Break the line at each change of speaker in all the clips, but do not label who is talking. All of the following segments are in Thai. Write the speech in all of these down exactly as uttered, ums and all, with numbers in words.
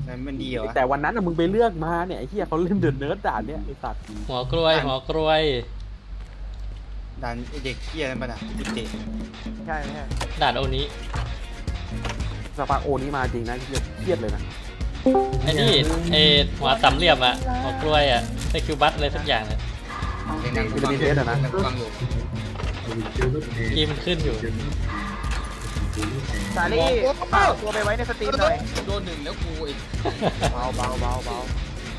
มันดีเหรอ
แต่วันนั้นอะมึงไปเลือกมาเนี่ยไอ้เหี้ยเขาเล่นเดินเนิร์ดด่านเนี่ยไอ้สัตว์
หัวกล้วยหัวกล้วย
ดันไอเด็กเกี้ยนั่นปะนะที่เตะ
ใช่ไม่ใช่
ด่านโอนี้
สปาโอนี้มาจริงนะเครียดเครียดเลยนะ
ไอ้นี่ไอ้หัวสามเหลี่ยมอะหัวกล้วยอะไอคิวบัสอะไรสักอย่างเนี่ย
เด็กนั่งกูฟังอยู่นั่งกูฟังอยู่
กีมันขึ้นอยู่
สาลี่เอาตัวไปไว้ในสตรีมหน่อย
โดนหนึ่งแล้วกูอีก
เบาเบาเบาเบา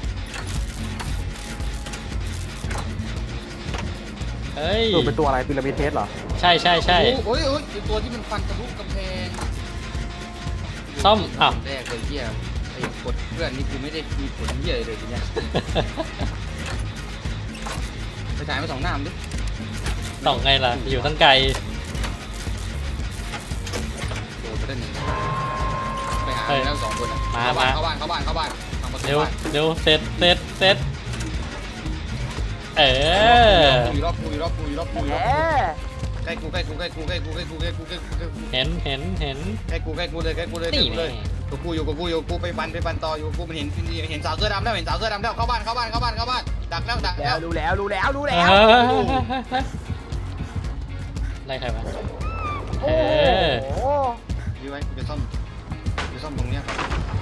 เฮ้ย
ตัวเป็นตัวอะไรพีระมิดเทสเหรอ
ใช่ใช่ใช่
โอ้ยโอ้ยไอตัวที่มันฟันทะลุกำแพง
ซ่อมอ้าว
แรกเลยเกี้ยไอ้กดเพื่อนนี่กูไม่ได้มีผลเยี่ยเลยทีเนี้ยไปถ่ายมาสองหน้ามันดิ
ส่องไงล่ะอยู่ตั้งไกล
โดนไปได้หนึ่งไปหาแล้วสองคนอะเข้าบ้านเข้าบ้านเข้าบ้านเข้าบ้านทางประตู
เร็ว
บ้าน
เร็วเสร็จเสร็จเสร็จเออ
อยู่รอบกูอยู่รอบกูอยู่รอบกูอยู่
แห
รอบกู
ม
ใกล้กูใกล้กูใกล้กูใกล้กูใกล้กูใกล้กูใกล้กูใกล้กู
เห็นเห็นเห็น
ใกล้กูใกล้กูเลยใกล้กูเลยใกล้
นี่
กู
ไง
เลยกูกูอยู่กูกูอยู่กูไปฟันไปฟันต่ออยู่กูมันเห็นเห็นสาวเสื้อดำแล้วเห็นสาวเสื้อดำแล้วเข้าบ้านเข้าบ้านเข้าบ้านเข้าบ้านดักแล้วดัก
แล้
แล้ว ว
รู้แล้วรู้แล้วรู้
เอ
แล้ว
อไล่ใครมาเอ
โอ้
อ
โห
ยื้อไว้กูจะซ่อมกูจะซ่อมตรงเนี้ยก่อน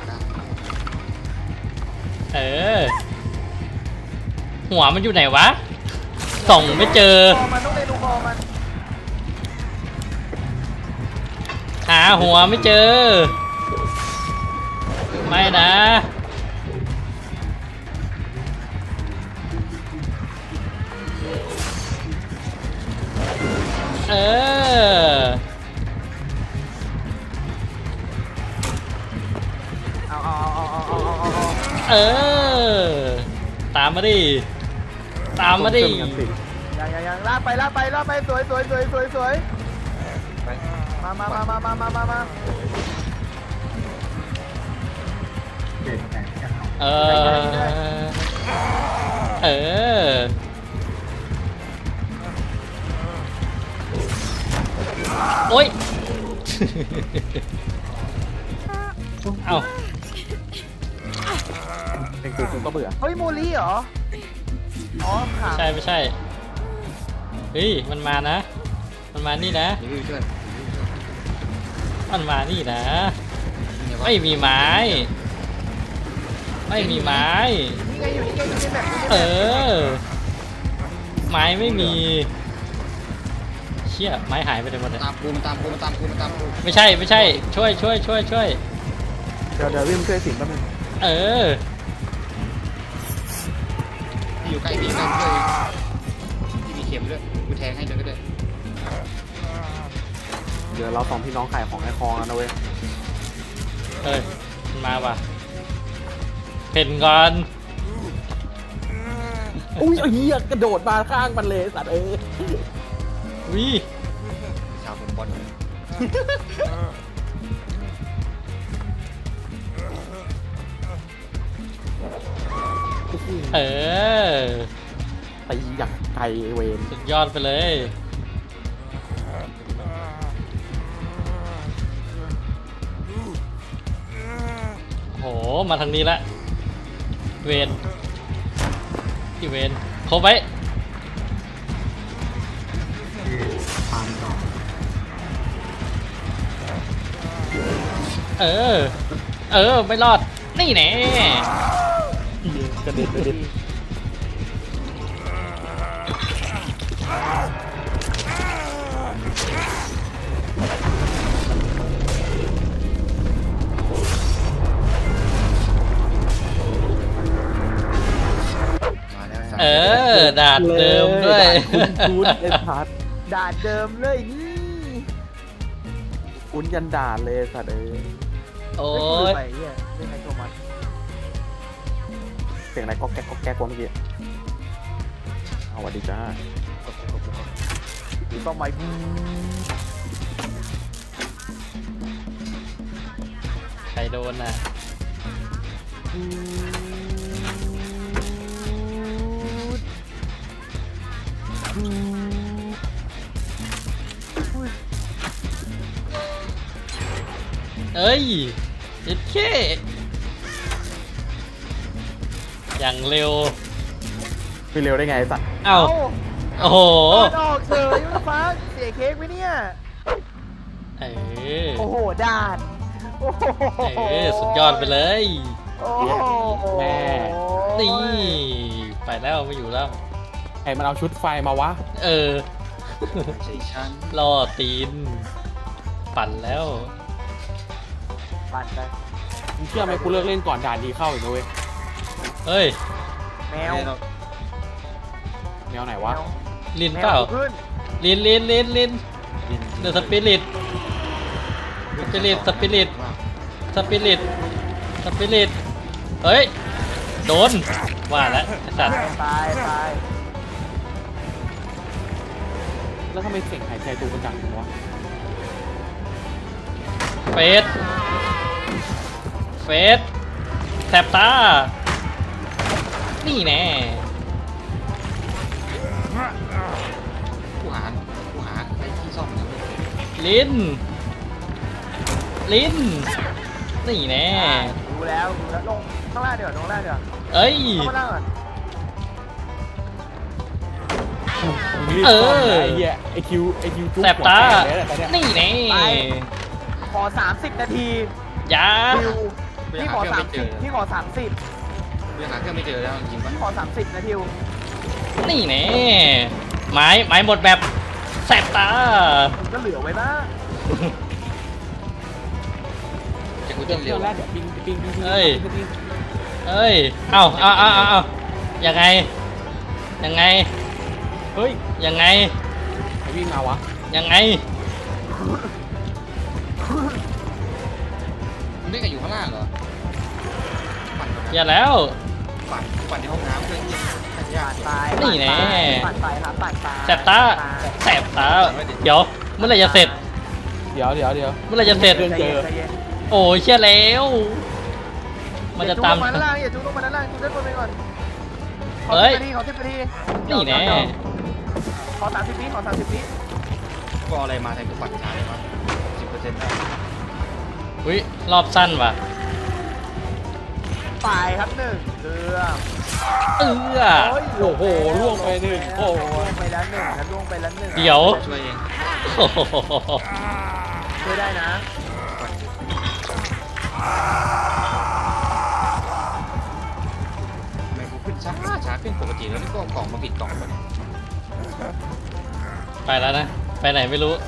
เออหัวมันอยู่ไหนวะส่องไม่เจอ
คอมันต้องเล่นดูคอมัน
หาหัวไม่เจอ ไม่นะเออ
เอาเอาเอาเอาเอาเอาเอา
เออตามมาดิตามมาดิ
เครื่องกันสิ
ยังยังยังลากไปลากไปลากไปสวยสวยสวยสวยสวย
ไป
มามามามามามามามา
เออเออโอ๊ย เอ้า
เป็นกูกูก็เบื่อ
เฮ้ยโมลี่เหรออ๋อขา
ใช่ไม่ใช่ เฮ้ย มันมานะ มันมานี่นะ
ยื้อช่วย
มันมานี่นะ
เนี่ย
ไม่มีไม้ ไม่มีไม้
นี่ไงอยู่นี่ไงอยู่ในแบบนี้
เออ ไม้ไม่มี เชี่ย ไม้หายไปไหนหมดเลย
ตามกูมันตามกูมันตามกูมันตามกู
ไม่ใช่ไม่ใช่ ช่วยช่วยช่วยช่วย
เดี๋ยวเดี๋ยววิ่งช่วยสิงแป๊บนึง
เออ
ที่อยู่ใกล้พี่ใกล้พี่เลยที่มีเข็มด้วยกูแทงให้เลยก็ได้
เดี๋ยวเราสองพี่น้องขายของไอ้คองกันนะเว้ย
เฮ้ย มันมาว่ะเห็นก่อน
อุ้ยไอ้เหี้ยกระโดดมาข้างมันเลยสัตว์เอ้ย
วิ
ชาวเป็นบอล
เออ
ตีอย่างไกลไอ้เวน
สุดยอดไปเลย โห มาทางนี้ละ เวนที่เวนครบไว้ เออ เออ ไม่รอด นี่แน่
กระเด็นกระเด็น
มาแล้ว
เออ ดาดเดิมด้วย
คุ้นคุ้นไอ้พัด
ด่านเดิมเลยนี่
คุ้นยันด่านเลยสัตว์เอ้ย
โอ้
ไม่
ย
ไปเนี่ยเล่นไงโทมัส
เสียงอะไรก็แก๊กก็แก๊กวะเมื่อกี้เอาสวัสดีจ้า
ดูต้องไป
ใครโดนน่ะ เอ้ยเอ็ดเคอย่างเร็ว
ไปเร็วได้ไงไอ้สัตว์
เอ้าโอ้โห
เปิดออกเฉยฟ้าเสียเค้กไหมเนี่ย
เออ
โอ้โหด่านโอ้โห
เออสุดยอดไปเลย
โอ้โห
แม่
นี่ไปแล้วไม่อยู่แล้ว
ไอ้มันเอาชุดไฟมาวะ
เออ
ไม่ใช่ฉัน
ล่อตีน ปั่นแล้ว
ปั่นไป
มึงเชื่อไหมกูเลิกเล่นก่อนด่านดีเข้าอีกนะเว้ย
เฮ้ย
แมว
เนี่ยเรา
แนวไหนวะ
ลิน
แม
เปล่า
วขึ้น
ลินลินลินลินเดอะสปิริต สปิริตสปิริต สปิริต สปิริต เฮ้ย โดน ว่าแล้วไอ้สัตว์
ตายตาย
แล้วทำไมเสียงหายใจตูมันดังจังวะ
เฟส เฟสแสบตา นี่แน่
กูหากูหาไอ้ที่ซ่อมนะ
ลิ้น ลิ้น นี่แน่
ดูแล้วดูแล้วลงข้างล่างเดี๋ยวลงข้างล่างเดี๋ยว
เอ้ย
เข้ามาล่างก่อน
มึงรีบ
เออ
ซ่อมนะไอ้เหี้ยไอคิวไอคิวจุ๊บ
แสบตา
หัวแตกเลยแหละตอนเนี้ย
นี่แน่
ขอสามสิบนาที
ยา
คิวพี่ขอสามสิบพี่ขอสามสิบ
กูยังหาเครื่องไม่เจอแล้วจริงๆปะ
พี่ขอสามสิบนะทิว
นี่แน่ ไม้ ไม้หมดแบบแสบตา
ผมก็เหลือไว้บ้าง
จะกู
เดี๋
เต้
ยวน
เร็
เดี๋ยว วแรกเดี๋ยวปิงปิงปิงปิง
เอ้ย
ปิงปิง
เอ้ย เอ้าเอ้าเอ้าเอ้าเอ้ายังไง ยังไง
เฮ้ย
ยังไง
ใครวิ่งมาวะ
ยังไง
มึงได้กับอยู่ข้างล่างเหรอปั่นก่อนนะ
อย่าแล้ว
ปั่นปั่นในห้องน้ำเพื่อนที่ยาก
ตาย
นี่แน่
ปั่นไปครับปั่นไป
แสบตา แสบตา เดี๋ยว เมื่อไหรจะเสร็จ
เดี๋ยวเดี๋ยวเดี๋ยว
เมื่อไหรจะเสร็จ
เรื่อง
ใจเย็นใจเย็น
โอ้ยเชี่ยแล้ว มันจะตาม
อย่าจุ๊บลงมาด้านล่างอย่าจุ๊บลงมาด้านล่างจุ๊บด้านบนไปก่อนขอ
เฮ้ย
สิบนาทีขอสิบนาที
นี่แน่
ขอสามสิบวิขอสามสิบวิ
ก็เอาอะไรมาแทนกูปั่นช้าเลยวะสิบเปอร์เซ็นต์ได้
อุ้ย รอบสั้นว่ะ
ตายครับหนึ่งเรือ
เอื้อ
โอ้โหล่วงไปหนึ่งโอ้โห
ล่วงไปแล้วหนึ่งนะล่วงไปแล้วหนึ่ง
เดี๋ยว
ช่วยเอง
โอ้โห
ช่วยได้นะ
ทำไมกูขึ้นช้าช้าขึ้นปกติแล้วนี่ก็เอากล่องมาผิดกล่องไปเนี่ย
ไปแล้วนะ ไปไหนไม่รู้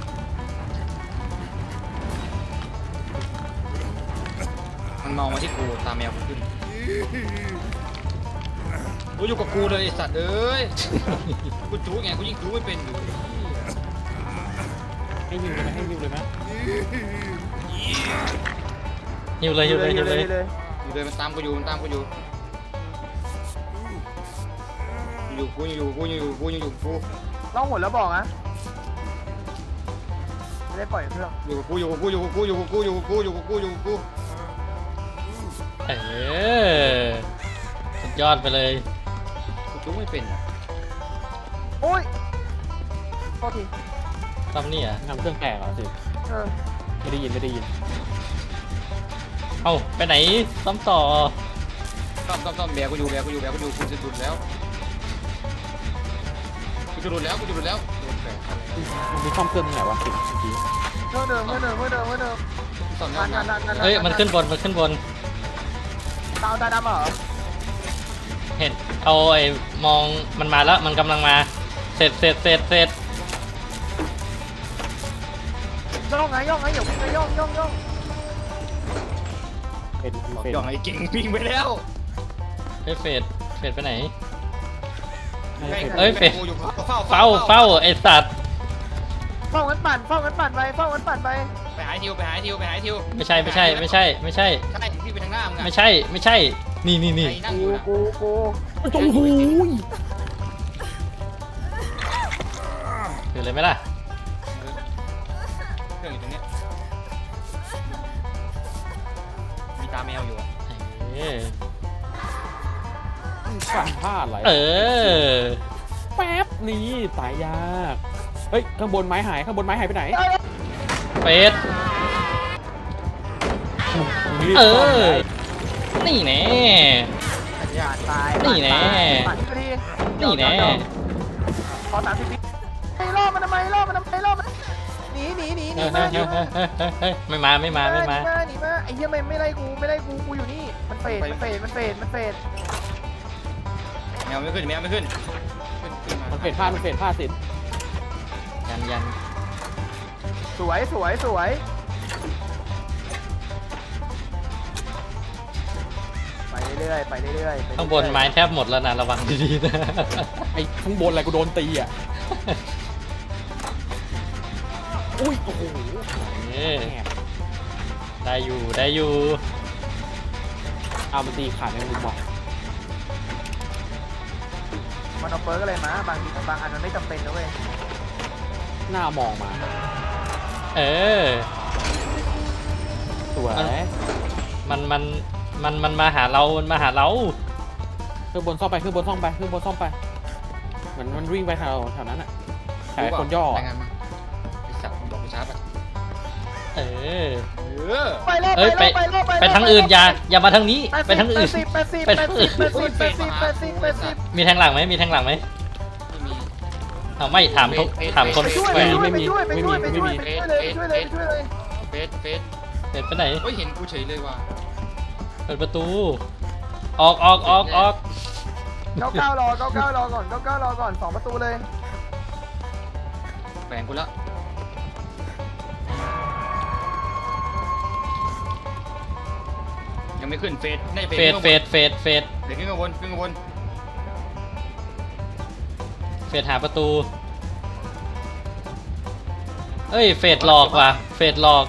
มันมองมาที่กูตามแมวกูขึ้นกูอยู่กับกูเลยไอ้สัตว์เอ้ยกูจู้ไงกูยิ่งจู้ไม่เป็นอยู่
ให้ยิวเลยไหมให้ยิวเลยไหม
หิวเลยหิวเลยหิวเลย
อยู่เลยมันตามกูอยู่มันตามกูอยู่อยู่กูอยู่กูอยู่กูอยู่กู
ต้องหมดแล้วบอกนะไม่ได้ปล่อยเครื่อง
อยู่กับกูอยู่กับกูอยู่กับกูอยู่กับกูอยู่กับกูอยู่กับกูอยู่กับกู
เออ สุดยอดไปเลย
กูจู้ไม่เป็นอ่ะ
โอ้ยโทษที
ทำนี่อ่ะ
ทำเครื่องแตกเหรอสิ
เออ
ไม่ได้ยินไม่ได้ยิน
เอ้า ไปไหนซ้ำต่อ
ซ่อมซ่อมซ่อมแบกกูอยู่แบกกูอยู่แบกกูอยู่กูจะหลุดแล้วกูจะหลุดแล้วกูจะหลุดแล้วโดนแบกอะไร
มันมีซ่อมเครื่องที่ไหนวะสิเมื่อกี้
เมื่อเดิมเมื่อเดิมเมื่อเดิมเมื่อเดิม
ซ่อม
นั
แล้ว
นนันนันนัน
เฮ้ย มันขึ้นบน มันขึ้นบน
ตาตาดำเหรอ
เห็น เอาไอ้มองมันมาแล้ว มันกำลังมา เสร็จเสร็จเสร็จเสร็จ
ย่องไงย่องไงอย่าวิ่งไงย่องย่องย่อง
เป็นเป็น
ย่องไอ้เก่งวิ่งไปแล้ว
เฮ้ยเฟดเฟดไปไหน
ให้เป็น
เอ้ยเฟด
กูอยู่เฝ้า
เฝ้าเฝ้าไอ้สัตว์
เฝ้ากันปั่นเฝ้ากันปั่นไปเฝ้ากันปั่นไป
ไปหาทิวไปหาทิวไปหาทิว
ไม่ใช่ไม่ใช่ไม่ใช่ไม่ใช่
ใช่ที่ไปทางหน้ามึงอะ
ไม่ใช่ไม่ใช่ นี่นี่นี่
ไอ้นั่งอ
กู
ยู่นะ
กูกู
โอ้โห
คืออะไรไหมล่ะ
เครื่องอยู่ตรงเนี้ยมีตาแมวอยู่อะ
เออ
สั่งพลาดอะไร
เออ
แป๊บนี้ตายยากเฮ้ยข้างบนไม้หายข้างบนไม้หายไปไหน
เฟด
มึงรีบ
เอ
ซ่อม
อ
เลย
นี่แน่
ย
เนี่ย
ผ่านตาย
นี่แน่
ผ่านที่พอดี
นี่แน่
ขอสามสิบวิไอ้ล่อมันทำไมล่อมันทำไมล่อมันหนีหนีหนีหนี
เฮ้ย
มา
เฮ้ยเฮ้ยเฮ้ยเฮ้ยเฮ้ยไม่มาไม่มาไม่มา
หนีมาหนีมาไอ้เหี้ยไม่ไม่ไล่กูไม่ไล่กูกูอยู่นี่มันเฟดมันเฟดมันเฟดมันเฟด
แมวไม่ขึ้นแมวไม่ขึ้นขึ้นขึ้นมา
มันเฟดพลาดมันเฟดพลาดสิ
ยันยัน
สวยสวยสวยไปเรื่อยๆไปเรื่อยๆไปเรื่อยๆ
ข้างบนไม้แทบหมดแล้วนะระวังดีๆนะ
ไอ้ข้างบนอะไรกูโดนตีอ่ะอุ้ยโอ้โห
เออ
แหม
ได้อยู่ได้อยู่
เอามันตีขาดในมุมมอง
มันเอาเปิร์กอะไรมาบางทีบางอันมันไม่จำเป็นนะเว้ย
หน้ามองมา
เออ
สวย
มันมันมันมันมาหาเรา มันมาหาเรา
ขึ้นบนซ่อมไปขึ้นบนซ่อมไปขึ้นบนซ่อมไปเหมือนมันวิ่งไปแถวแถวนั้นอ่ะแถวคนย่อ
รายงานมาไอ้สัตว์มึงบอกกูช้าไป
เออ
เออ
ไปรอบ
เอ้ย
ไป
ไป
รอบไปรอบ
ไปทางอื่นอย่าอย่ามาทางนี้
แปด
ไปทางอื่น
สิบแปดสิบ
ไป
แป
ทา
ด
ง
สิ
อื่
บ
น
แปดสิบแปดสิบแปดสิบแปดสิบแปดสิบ
มีแทงหลังไหมมีแทงหลังไหม
ไม่มี
เอาไม่ถามทุกถามคน
ไปช่วย
แห
ไป
วน
ช่วยไปช่วยไปช่วยไปช่วยไปช่วยเลยไปช่วยเลยไปช่วยเลย
เฟสเฟส
เปิดไปไหน
เฮ้ยเห็นกูเฉยเลยว่ะ
เปิดประตู ออกออกออกออก
เก้าเก้ารอเก้าเก้ารอก่อนเก้าเก้ารอก่อนสองประตูเลย
แฝงกูละยังไม่ขึ้นเฟสน่าจะ
เฟดเฟดเฟดเฟด
เดี๋ยวขึ้นข้างบนขึ้นข้างบน
เฟดหาประตู เอ้ยเฟดหลอกว่ะเฟดหลอก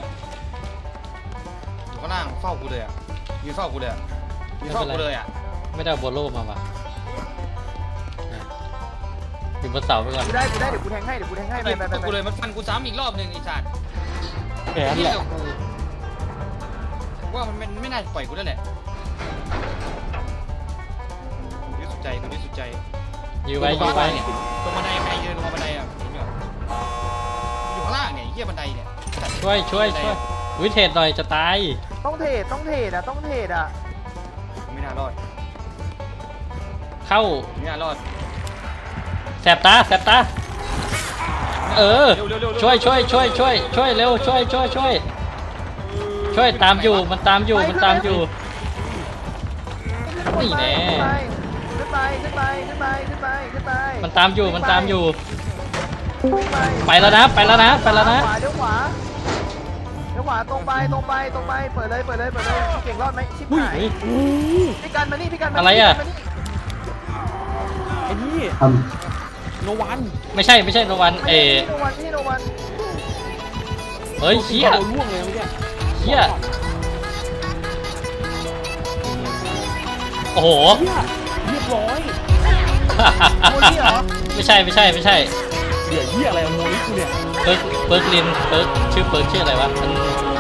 อยู่ข้างล่างเฝ้ากูเลยอ่ะยืนเฝ้ากูเลยอ่ะยืนเฝ้ากูเลยอ่ะ
ไม่ได้เอาโบโลมาว่ะอยู่บนเสาไปก่อน
กูได้กูได้เดี๋ยวกูแทงให้เดี๋ยวกูแทงให้ไป
ยืน
ไปไป
เฝ้า
ไป
กูเลยมันฟันกูซ้ำอีกรอบหนึ่งไอ้สัตว์
แขน
นี่
แหละ
กับกูว่ามันไม่ไม่น่าจะปล่อยกูแล้วแหละยืดสุดใจกูยืดสุดใจ
ยื้อไว้ยื้อไว้
ตรงบันไดใครยืนลงบันไดอ่ะเห็นอยู่อยู่ข้างล่างเนี่ยไอ้เหี้ยบันไดเนี่ย
ช่วยช่วยช่วยวิเทศหน่อยจะตาย
ต้องเทรดต้องเทรดอ่ะต้องเทรดอ่ะ
ไม่น่ารอด
เข้า
ไม่น่ารอด
แสบตาแสบตา เออ ช่วยช่วยช่วยช่วยช่วยเร็วช่วยช่วยช่วยช่วยตามอยู่มันตามอยู่มันตามอยู่ นี่แน่
ขึ้นไปขึ้นไปขึ้นไปขึ้นไปขึ้นไป
มันตามอยู่มันตามอยู่
ขึ้นไป
ไปแล้วนะไปแล้วนะไปแล้วนะ
ขวาเดี๋ยวขวาเดี๋ยวขวาตรงไปตรงไปตรงไปเปิดเลยเปิดเลยเปิดเลยเก่งรอดไหมชิบหาย
เฮ้ย
พี่กันมานี่พี่กันมา
อะไรอะ
พี่กันมานี่
ไอ้นี่โนวัน
ไม่ใช่ไม่ใช่โนวันเอ
ไม่โนวันพี่โนวัน
เฮ้ยเชี่ย
โดนล่วงเลยเมื่อกี้
เชี่ยโอ้โห
เหี้ยเรียบร้อย
โมลี่เหรอ
ไม่ใช่ไม่ใช่ไม่ใช่
เหลือเหี้ยอะไรอะโมลิกูเนี่ย
เปิร์กเปิร์กลินเปิร์กชื่อเปิร์กชื่ออะไรวะมัน